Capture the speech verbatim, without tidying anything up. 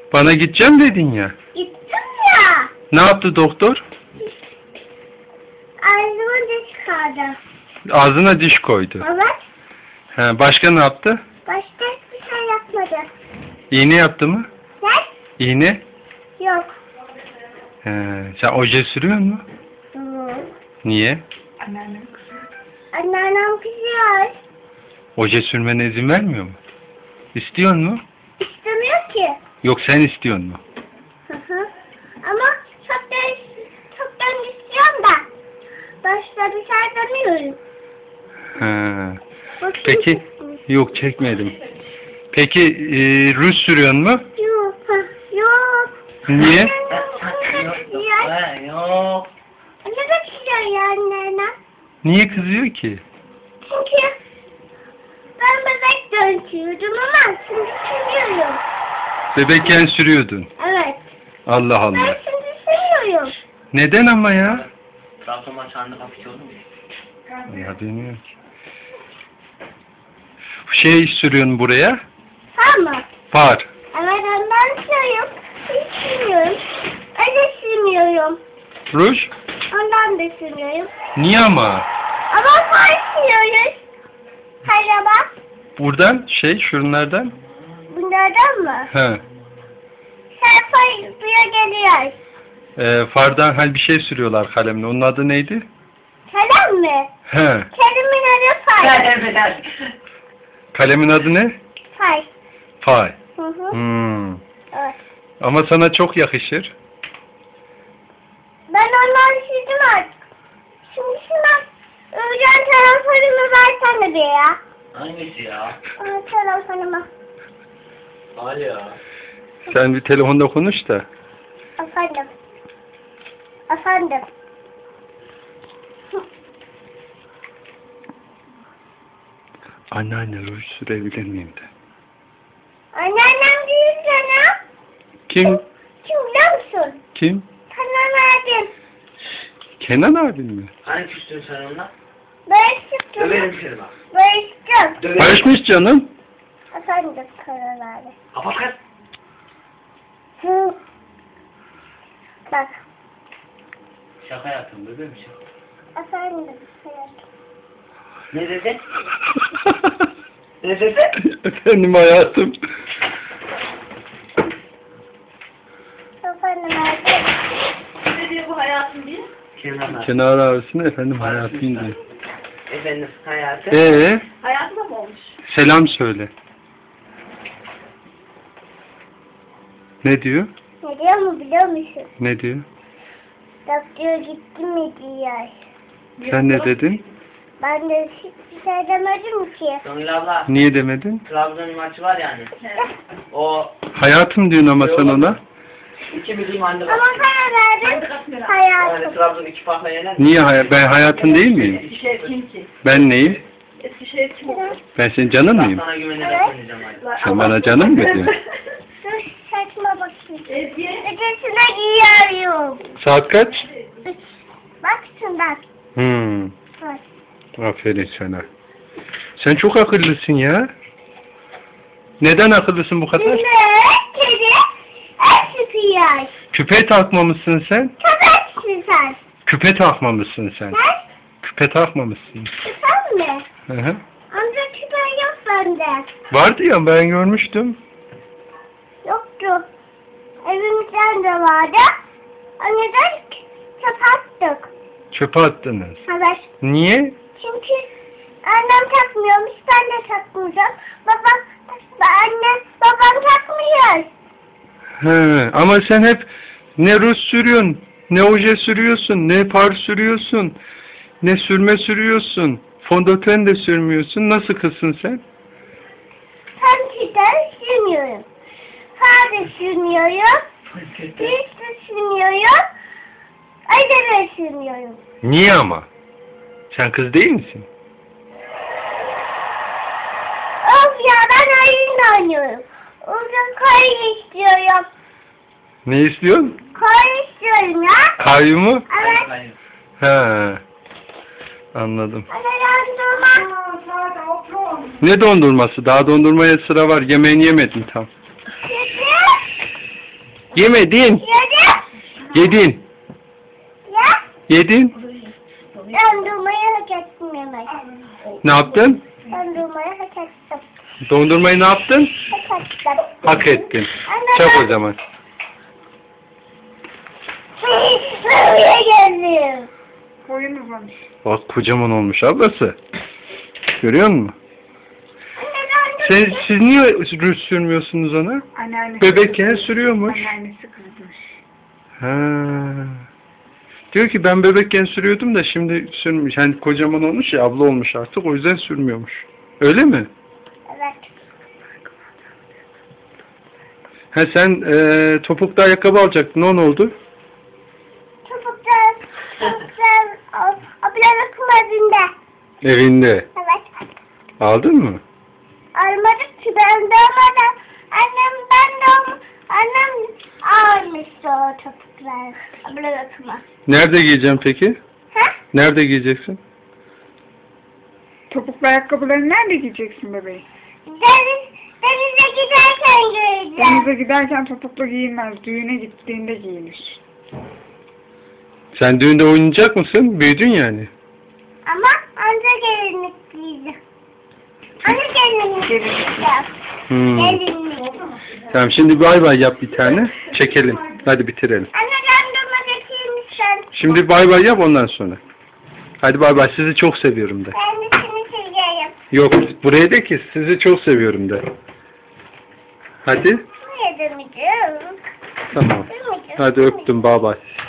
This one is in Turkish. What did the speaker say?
Bana gideceğim dedin ya. Gittim ya. Ne yaptı doktor? Ağzıma diş çıkardı. Ağzına diş koydu. Evet. He, başka ne yaptı? Başka hiçbir şey yapmadı. İğne yaptı mı? Ne? İğne? Yok. He, sen oje sürüyor mu? Hı. Niye? Anneannem kızıyor. Anneannem kızıyor. Oje sürmene izin vermiyor mu? İstiyor mu? İstemiyor ki. Yok sen istiyor mu? Hı hı. Ama çoktan, çoktan istiyorum da. Başta bir şey demiyorum. He. Bakayım Peki, çıkmış. yok çekmedim. Peki e, ruj sürüyor mu? Yok. hı, Yok. Niye? Ya. Yok. Ne bakıyor ya anneannem? Niye kızıyor ki? Çünkü ben bebek döntüyordum ama şimdi sürüyorum. Bebekken sürüyordun. Evet. Allah Ben Allah. şimdi sürüyorum. Neden ama ya? Trabzon maçlarında kapıcı olur mu? Ya bilmiyorum ki. Şey sürüyorsun buraya. Tamam. Far. Evet ondan sürüyorum. Hiç sürmüyorum. Öyle sürmüyorum. Ruj. Ondan da sürmüyorum. Niye ama? Ama far sürüyoruz. Araba. Buradan şey şunlardan. Bunlardan mı? He. Sen far buraya geliyor. E, fardan hani bir şey sürüyorlar kalemle. Onun adı neydi? Kalem mi? He. Kelimin adı far. Kalemin adı ne? Far. Fay. Hı hı. Hmm. Evet. Ama sana çok yakışır. Ben ondan sürdüm artık. Şimdi şuna öğren telefonumu versene bir ya. Hangisi ya? Aa, telefonumu. Al ya. Sen bir telefonda konuş da. Efendim. Efendim. Anneanne ruj sürebilir miyim de. Anneannem değil sana. Kim? Kim biliyor musun? Kim? Kenan abim. Kenan abin mi? Hani küstün sen onunla? Barıştık. Döverim seni bak. Barıştık. Döverim. Barışmış canım. Efendim Kenan abi. Kapat kız. Hı. Bak. Şaka yaptım bebeğim şaka. Efendim. Hayatım. Ne dedi? Ne dedi? Efendim hayatım. Efendim hayatım. Ne diyor bu hayatım diye? Kenan abi. Kenar arasında efendim hayatım diyor. Efendim hayatım. Ee, Hayatında mı olmuş? selam söyle. Ne diyor? Ne diyor mu biliyor musun? Ne diyor? Doktor gitti mi diyor. Sen ne dedin? Ben de hiçbir şey demedim ki. Songül abla. Niye demedin? Trabzon maçı var yani. O Hayatım diyorsun ama sen ona. iki milyon anne Ama bak. para verdim. Yani Hayatım. Trabzon iki farkla yener. Niye hay ben hayatın değil miyim? Eskişehir kim ki? Ben neyim? Eskişehir kim oldu? Ben senin canın Ben mıyım? sana güvenerek oynayacağım hadi. Sen bana canım mı diyorsun? Dur saçma bakayım. Ezgi. Ötesine giyiyorum. Saat kaç? Üç. Bak şundan. Hmm. Bak. Aferin sana. Sen çok akıllısın ya. Neden akıllısın bu kadar? Şimdi kedi et sıkıyor. Küpe takmamışsın sen. Köpeksin sen. Küpe takmamışsın sen. Sen? Küpe takmamışsın. Sen mi? Hı hı. Amca küpe yok bende. Vardı ya ben görmüştüm. Yoktu. Evimizden de vardı. Anneden çöp attık. Çöpe attınız. Evet. Niye? Çünkü annem takmıyormuş, ben de takmayacağım. Babam, annem, babam takmıyor. He, ama sen hep ne ruj sürüyorsun, ne oje sürüyorsun, ne par sürüyorsun, ne sürme sürüyorsun. Fondöten de sürmüyorsun. Nasıl kızsın sen? Pençeden sürmüyorum. Far da sürmüyorum. Hiç de sürmüyorum. Ayda da sürmüyorum. Niye ama? Sen kız değil misin? Of ya ben oyun oynuyorum. Uzun koyu istiyorum. Ne istiyorsun? Koyu istiyorum ya. Kayyumu? Evet. He. Anladım. Hadi dondurma. Ne dondurması? Daha dondurmaya sıra var. Yemeğini yemedin tam. Sütü. Yemedin. Yedim. Yedin. Ya. Yedin. Dondurmayı hak ettim yemek. Ne yaptın? Dondurmayı hak ettim. Dondurmayı ne yaptın? Hak ettim. Hak ettin. Anne, Çak ben- o zaman. Buraya geldim. Boyun uzamış. Bak kocaman olmuş ablası. Görüyor musun? Anne dondurma. Sen, siz niye rüz sürmüyorsunuz ona? Anneannesi. Bebekken sürüyormuş. Anneannesi kızmış. Ha. Diyor ki ben bebekken sürüyordum da şimdi sürmüş. Yani kocaman olmuş ya, abla olmuş artık, o yüzden sürmüyormuş. Öyle mi? Evet. Ha sen e, topuklu ayakkabı alacaktın, o ne oldu? Çubuklar, çubuklar, ablamın kumazında. Evinde. Evet. Aldın mı? Almadık ki ben doğmadan. Annem ben doğum, annem almıştı o çubuklar. Ablamın kumaz. Nerede giyeceğim peki? Ha? Nerede giyeceksin? Topuklu ayakkabılarını nerede giyeceksin bebeğim? Deniz, denize giderken göreceğim. Denize giderken topuklu giyilmez. Düğüne gittiğinde giyilir. Sen düğünde oynayacak mısın? Büyüdün yani. Ama anca gelinlik giyeceğim. Anne gelinlik Gelinlik. giyeceğim. Hmm. Gelinlik. Tamam, şimdi bay bay yap bir tane. Çekelim. Hadi bitirelim. Anne dondurma getireyim sen. Şimdi bay bay yap, ondan sonra. Hadi bay bay, sizi çok seviyorum de. Ben de seni seveceğim. Yok, buraya de ki sizi çok seviyorum de. Hadi. Niye demeyeceğim? Tamam. Hadi öptüm, bay bay.